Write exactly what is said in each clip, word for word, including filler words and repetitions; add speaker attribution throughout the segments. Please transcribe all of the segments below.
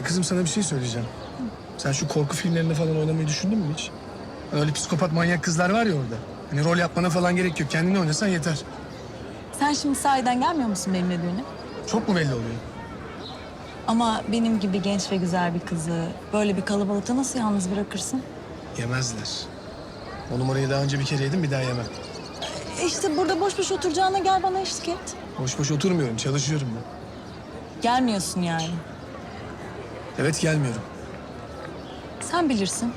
Speaker 1: kızım sana bir şey söyleyeceğim. Sen şu korku filmlerinde falan oynamayı düşündün mü hiç? Öyle psikopat manyak kızlar var ya orada. Hani rol yapmana falan gerek yok. Kendini oynasan yeter.
Speaker 2: Sen şimdi sahiden gelmiyor musun benimle düğüne?
Speaker 1: Çok mu belli oluyor?
Speaker 2: Ama benim gibi genç ve güzel bir kızı böyle bir kalabalıkta nasıl yalnız bırakırsın?
Speaker 1: Yemezler. O numarayı daha önce bir kere yedim, bir daha yemem.
Speaker 2: E işte burada boş boş oturacağına gel bana eşlik et.
Speaker 1: Boş boş oturmuyorum, çalışıyorum ben.
Speaker 2: Gelmiyorsun yani.
Speaker 1: Evet, gelmiyorum.
Speaker 2: Sen bilirsin.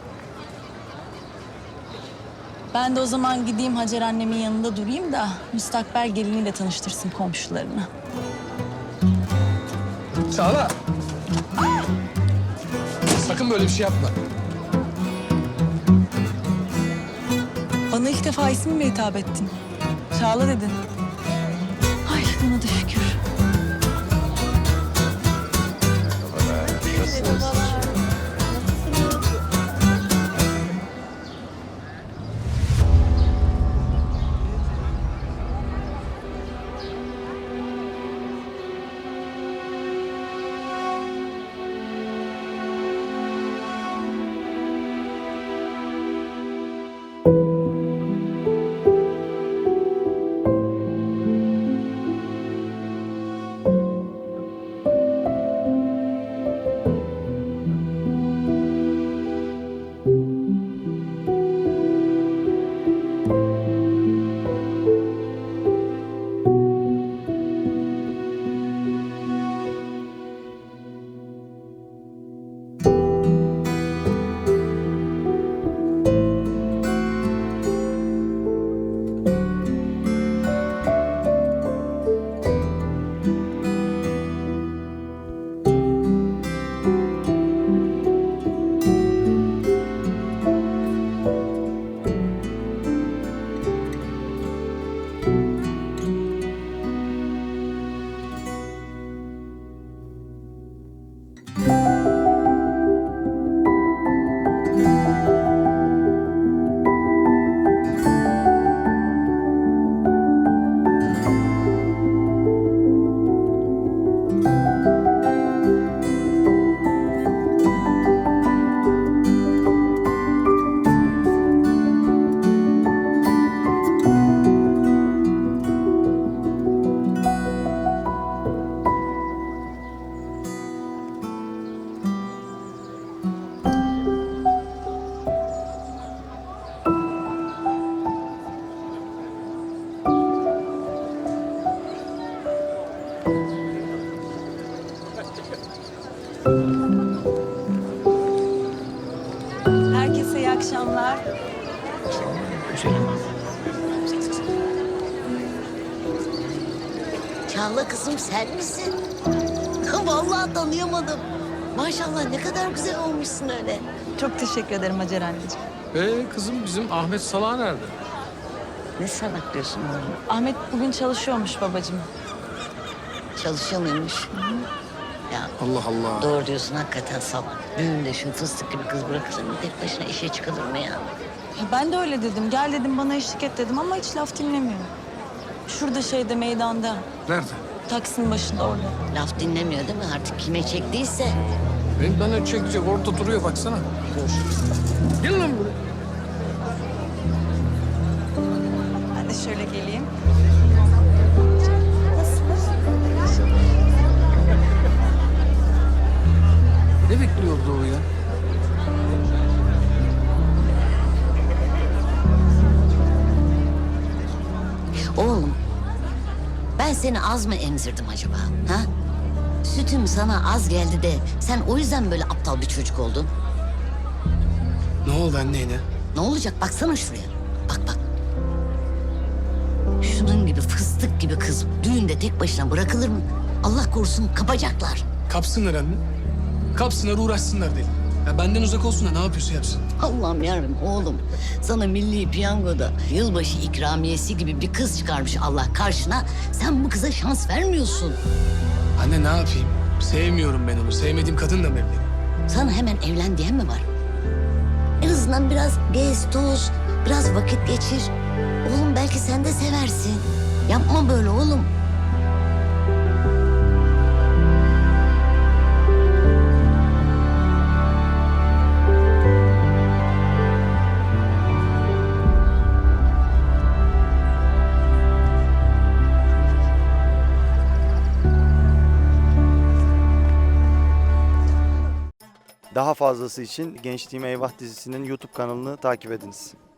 Speaker 2: Ben de o zaman gideyim Hacer annemin yanında durayım da müstakbel geliniyle tanıştırsın komşularını.
Speaker 1: Çağla! Sakın böyle bir şey yapma.
Speaker 2: Bana ilk defa ismimle hitap ettin. Çağla dedin. Ay buna da şükür. Herkese iyi akşamlar.
Speaker 3: Çağla kızım sen misin? Vallahi tanıyamadım. Maşallah ne kadar güzel olmuşsun öyle.
Speaker 2: Çok teşekkür ederim Hacer anneciğim.
Speaker 4: Ee kızım bizim Ahmet Salah nerede?
Speaker 3: Ne salak diyorsun oğlum?
Speaker 2: Ahmet bugün çalışıyormuş babacığım.
Speaker 3: Çalışıyor muymuş? Ya
Speaker 4: Allah Allah.
Speaker 3: doğru diyorsun hakikaten salak. Düğünde şu fıstık gibi kız bırakılır mı? Tek başına işe çıkılır mı ya?
Speaker 2: Ya ben de öyle dedim. Gel dedim bana eşlik et dedim ama hiç laf dinlemiyor. Şurada şeyde meydanda.
Speaker 4: Nerede?
Speaker 2: Taksinin başında orada.
Speaker 3: Laf dinlemiyor değil mi? Artık kime çektiyse.
Speaker 4: Benim bana çekecek orada duruyor baksana.
Speaker 3: Dur.
Speaker 4: Gel lan buraya.
Speaker 2: Ben de şöyle geleyim.
Speaker 4: Ne bekliyordu o ya?
Speaker 3: Oğlum, ben seni az mı emzirdim acaba? Ha? Sütüm sana az geldi de sen o yüzden böyle aptal bir çocuk oldun.
Speaker 1: Ne oldu anne yine?
Speaker 3: Ne olacak? Baksana şuraya. Bak bak. Şunun gibi fıstık gibi kız düğünde tek başına bırakılır mı? Allah korusun kapacaklar.
Speaker 1: Kapsınlar anne. Kapsınlar, uğraşsınlar değil. Ya benden uzak olsun da ne yapıyorsa yapsın.
Speaker 3: Allah'ım yarabbim oğlum. Sana milli piyangoda yılbaşı ikramiyesi gibi bir kız çıkarmış Allah karşına. Sen bu kıza şans vermiyorsun.
Speaker 1: Anne ne yapayım? Sevmiyorum ben onu. Sevmediğim kadınla mı evleneyim?
Speaker 3: Sana hemen evlen diyen mi var? En azından biraz gez, toz, biraz vakit geçir. Oğlum belki sen de seversin. Yapma böyle oğlum.
Speaker 5: Daha fazlası için Gençliğime Eyvah dizisinin YouTube kanalını takip ediniz.